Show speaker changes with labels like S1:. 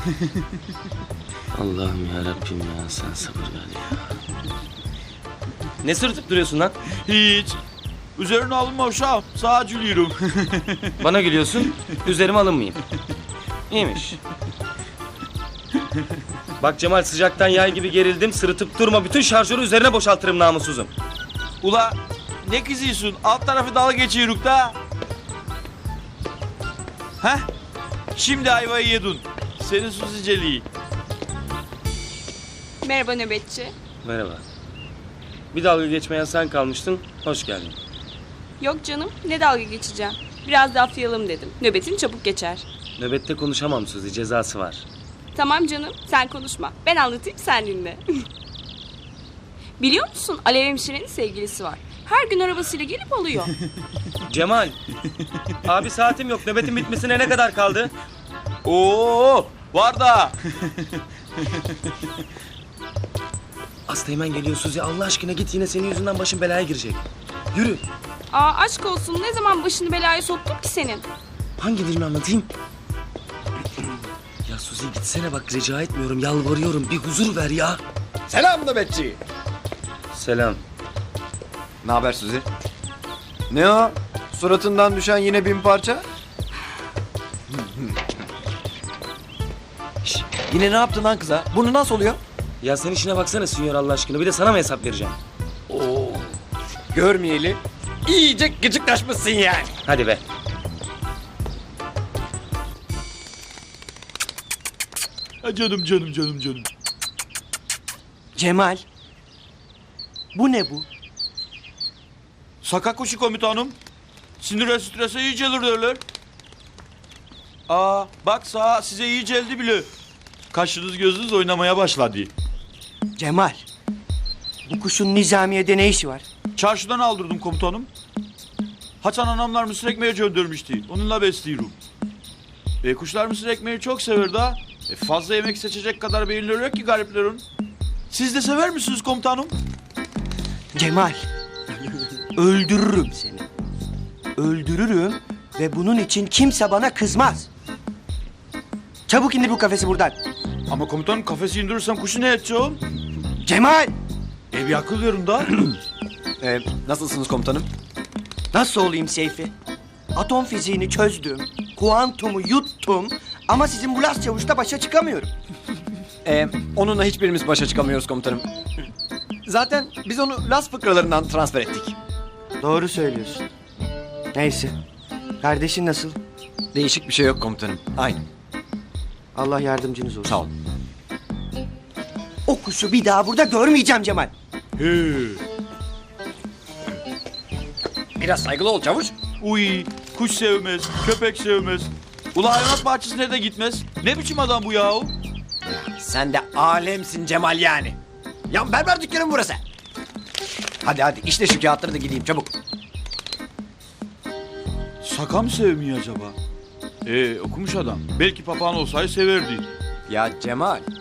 S1: Allah'ım ya Rabbim ya, sen sabır ver ya.
S2: Ne sırıtıp duruyorsun lan?
S3: Hiç. Üzerine alınma uşağım. Sağa gülüyorum.
S2: Bana gülüyorsun, üzerime alınmayayım. İyiymiş. Bak Cemal, sıcaktan yay gibi gerildim. Sırıtıp durma, bütün şarjörü üzerine boşaltırım namussuzum.
S3: Ula ne kızıyorsun? Alt tarafı dalga geçiyoruz da. Heh. Şimdi ayvayı yedin. Senin susiceliği.
S4: Merhaba nöbetçi.
S2: Merhaba. Bir dalga geçmeyen sen kalmıştın, hoş geldin.
S4: Yok canım, ne dalga geçeceğim. Biraz laflayalım dedim. Nöbetin çabuk geçer.
S2: Nöbette konuşamam Suzi, cezası var.
S4: Tamam canım, sen konuşma. Ben anlatayım, sen dinle. Biliyor musun, Alev hemşirenin sevgilisi var. Her gün arabasıyla gelip alıyor.
S2: Cemal, abi saatim yok, nöbetin bitmesine ne kadar kaldı?
S3: Oo, var da.
S2: Asteğmen geliyor Suzi, Allah aşkına git, yine senin yüzünden başım belaya girecek. Yürü.
S4: Aa, aşk olsun, ne zaman başını belaya soktum ki senin?
S2: Hangi dilini anlatayım? Ya Suzi gitsene bak, rica etmiyorum, yalvarıyorum, bir huzur ver ya.
S5: Selam nöbetçi.
S2: Selam.
S5: Ne haber Suzi? Ne o? Suratından düşen yine 1000 parça? Şş, yine ne yaptın lan kıza? Bunu nasıl oluyor?
S2: Ya sen işine baksana Sinyor, Allah aşkına, bir de sana mı hesap vereceğim?
S5: Oo. Görmeyeli iyice gıcıklaşmışsın yani.
S2: Hadi be.
S3: Ha, canım canım canım canım.
S6: Cemal. Bu ne bu?
S3: Saka kuşu komutanım. Sinire strese iyi gelir derler. Aa, bak sağ size iyi geldi bile. Kaşınız gözünüz oynamaya başladı.
S6: Cemal. Bu kuşun nizamiyede ne işi var?
S3: Çarşıdan aldırdım komutanım. Hasan anamlar mısır ekmeği göndermişti. Onunla besliyorum. Kuşlar mısır ekmeği çok sever da. Fazla yemek seçecek kadar beyinleri yok ki gariplerin. Siz de sever misiniz komutanım?
S6: Cemal. Öldürürüm seni. Öldürürüm ve bunun için kimse bana kızmaz. Çabuk indir bu kafesi buradan.
S3: Ama komutanım kafesi indirirsem kuşu ne edeceğim?
S6: Cemal.
S3: Bir akıl verin da.
S5: Nasılsınız komutanım?
S6: Nasıl olayım Seyfi? Atom fiziğini çözdüm. Kuantumu yuttum. Ama sizin bu Las Çavuş'ta başa çıkamıyorum.
S5: Onunla hiçbirimiz başa çıkamıyoruz komutanım. Zaten biz onu Las fıkralarından transfer ettik.
S6: Doğru söylüyorsun. Neyse. Kardeşin nasıl?
S5: Değişik bir şey yok komutanım. Aynı.
S6: Allah yardımcınız olsun.
S5: Sağ ol.
S6: O kuşu bir daha burada görmeyeceğim Cemal.
S3: He.
S5: Biraz saygılı ol çavuş.
S3: Uy, kuş sevmez, köpek sevmez. Ula hayvanat bahçesine de gitmez. Ne biçim adam bu yahu?
S5: Sen de alemsin Cemal yani. Ya berber dükkanı mı burası? Hadi işte şu kağıtları da gideyim çabuk.
S3: Saka mı sevmiyor acaba? Okumuş adam. Belki papağan olsaydı severdi.
S5: Ya Cemal,